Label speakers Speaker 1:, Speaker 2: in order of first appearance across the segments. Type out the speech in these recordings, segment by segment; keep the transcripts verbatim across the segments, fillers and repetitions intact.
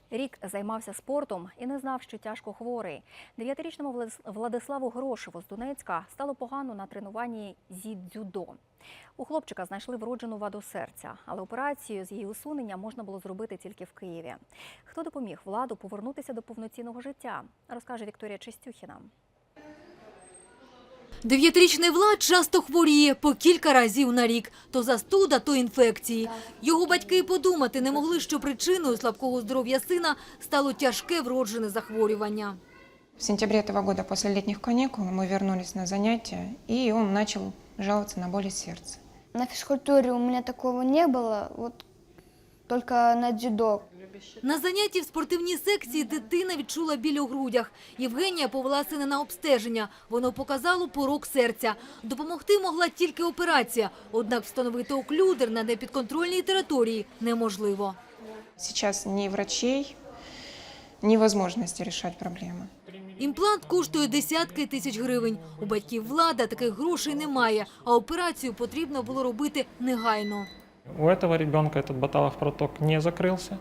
Speaker 1: Рік займався спортом і не знав, що тяжко хворий. Дев'ятирічному Владиславу Грошеву з Донецька стало погано на тренуванні зі дзюдо. У хлопчика знайшли вроджену ваду серця, але операцію з її усунення можна було зробити тільки в Києві. Хто допоміг Владу повернутися до повноцінного життя, розкаже Вікторія Чистюхіна.
Speaker 2: Дев'ятирічний Влад часто хворіє по кілька разів на рік. То застуда, то інфекції. Його батьки й подумати не могли, що причиною слабкого здоров'я сина стало тяжке вроджене захворювання.
Speaker 3: В сентябре этого года после летних каникул мы вернулись на занятия, и он начал жаловаться на боли сердца.
Speaker 4: На физкультуре у меня такого не было, вот только на дзюдо.
Speaker 2: На занятті в спортивній секції дитина відчула біль у грудях. Євгенія повела сина на обстеження. Воно показало порок серця. Допомогти могла тільки операція. Однак встановити оклюдер на непідконтрольній території неможливо.
Speaker 3: Сейчас ни врачей, ни возможности решать проблемы.
Speaker 2: Імплант коштує десятки тисяч гривень. У батьків Влада таких грошей немає, а операцію потрібно було робити негайно.
Speaker 5: У этого ребенка этот боталов проток не закрылся,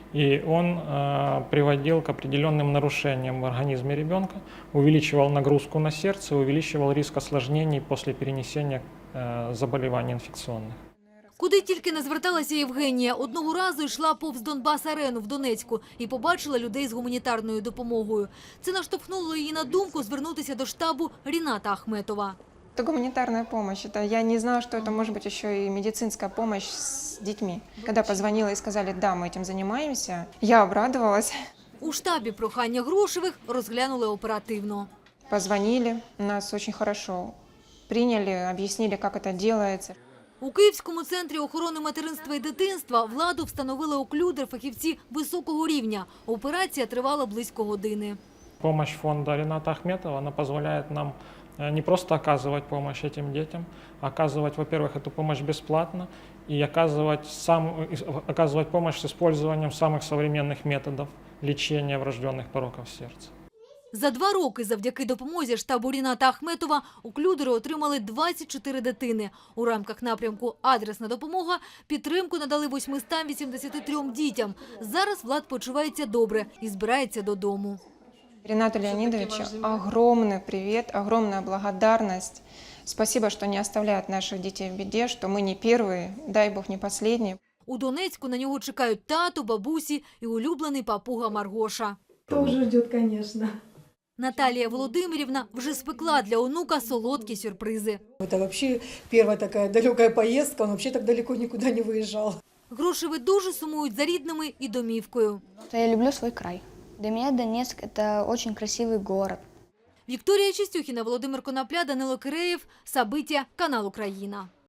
Speaker 5: и он э, приводил к определенным нарушениям в организме ребенка, увеличивал нагрузку на сердце, увеличивал риск осложнений после перенесения э, заболеваний инфекционных.
Speaker 2: Куди тільки не зверталася Євгенія, одного разу йшла повз Донбас-арену в Донецьку і побачила людей з гуманітарною допомогою. Це наштовхнуло її на думку звернутися до штабу Ріната Ахметова.
Speaker 3: Это гуманитарная помощь. Это я не знала, что это может быть еще и медицинская помощь с детьми. Когда позвонила и сказали, да, мы этим занимаемся, я обрадовалась.
Speaker 2: У штабі прохання Грошевих розглянули оперативно.
Speaker 3: Позвонили, нас очень хорошо приняли, объяснили, как это делается.
Speaker 2: У Київському центрі охорони материнства і дитинства Владу встановили оклюдер фахівці високого рівня. Операція тривала близько години.
Speaker 5: Помощь фонда Рината Ахметова, она позволяет нам не просто оказывать помощь этим детям, а оказывать, во-первых, эту помощь бесплатно и оказывать, сам, оказывать помощь с использованием самых современных методов лечения врожденных пороков сердца.
Speaker 2: За два роки завдяки допомозі штабу Ріната Ахметова оклюдери отримали двадцять чотири дитини. У рамках напрямку «Адресна допомога» підтримку надали восьмистам вісімдесяти трьом дітям. Зараз Влад почувається добре і збирається додому.
Speaker 3: Ринату Леонидовичу огромный привет, огромная благодарность. Спасибо, что не оставляют наших детей в беде, что мы не первые, дай Бог не последние.
Speaker 2: У Донецьку на нього чекають тато, бабусі і улюблений папуга Маргоша.
Speaker 6: Тоже ждет, конечно.
Speaker 2: Наталія Володимирівна вже спекла для онука солодкі сюрпризи.
Speaker 6: Это вообще первая такая далекая поездка, он вообще так далеко никуда не выезжал.
Speaker 2: Грошеви дуже сумують за рідними і домівкою.
Speaker 4: Я люблю свой край. Для меня Донецк – это очень красивый город.
Speaker 2: Вікторія Чистюхіна, Володимир Конопля, Данило Киреєв, Сабиття, канал Україна.